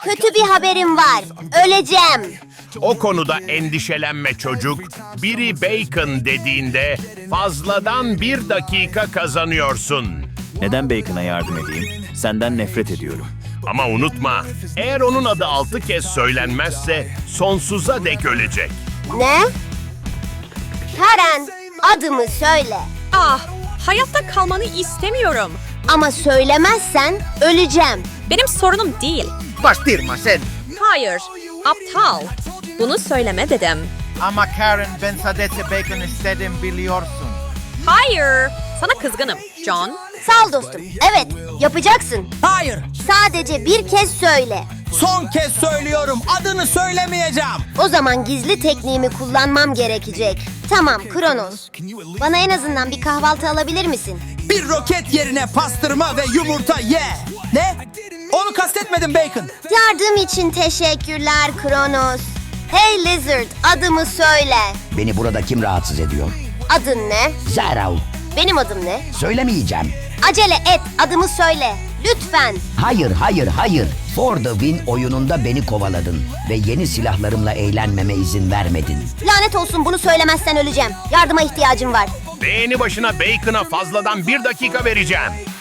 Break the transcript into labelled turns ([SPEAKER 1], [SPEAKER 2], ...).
[SPEAKER 1] Kötü bir haberim var. Öleceğim.
[SPEAKER 2] O konuda endişelenme çocuk. Biri bacon dediğinde fazladan 1 dakika kazanıyorsun.
[SPEAKER 3] Neden Bacon'a yardım edeyim? Senden nefret ediyorum.
[SPEAKER 2] Ama unutma, eğer onun adı 6 kez söylenmezse sonsuza dek ölecek.
[SPEAKER 1] Ne? Karen, adımı söyle.
[SPEAKER 4] Ah, hayatta kalmanı istemiyorum.
[SPEAKER 1] Ama söylemezsen öleceğim.
[SPEAKER 4] Benim sorunum değil.
[SPEAKER 5] Bastırma sen.
[SPEAKER 4] Hayır, aptal. Bunu söyleme dedim.
[SPEAKER 5] Ama Karen, ben sadece bacon istedim biliyorsun.
[SPEAKER 4] Hayır, sana kızgınım, John.
[SPEAKER 1] Sağ ol dostum. Evet, yapacaksın.
[SPEAKER 6] Hayır,
[SPEAKER 1] Sadece bir kez söyle.
[SPEAKER 6] son kez söylüyorum. Adını söylemeyeceğim.
[SPEAKER 1] O zaman gizli tekniğimi kullanmam gerekecek. Tamam, Kronos. Bana en azından bir kahvaltı alabilir misin?
[SPEAKER 6] Bir roket yerine pastırma ve yumurta ye. Ne? Onu kastetmedim Bacon.
[SPEAKER 1] Yardım için teşekkürler Kronos. Hey Lizard, adımı söyle.
[SPEAKER 7] Beni burada kim rahatsız ediyor?
[SPEAKER 1] Adın ne?
[SPEAKER 7] Zarav.
[SPEAKER 1] Benim adım ne?
[SPEAKER 7] Söylemeyeceğim.
[SPEAKER 1] Acele et, adımı söyle. Lütfen.
[SPEAKER 7] Hayır, hayır, hayır. For the Win oyununda beni kovaladın ve yeni silahlarımla eğlenmeme izin vermedin.
[SPEAKER 1] Lanet olsun, bunu söylemezsen öleceğim. Yardıma ihtiyacım var.
[SPEAKER 2] Beğeni başına bacon'a fazladan 1 dakika vereceğim.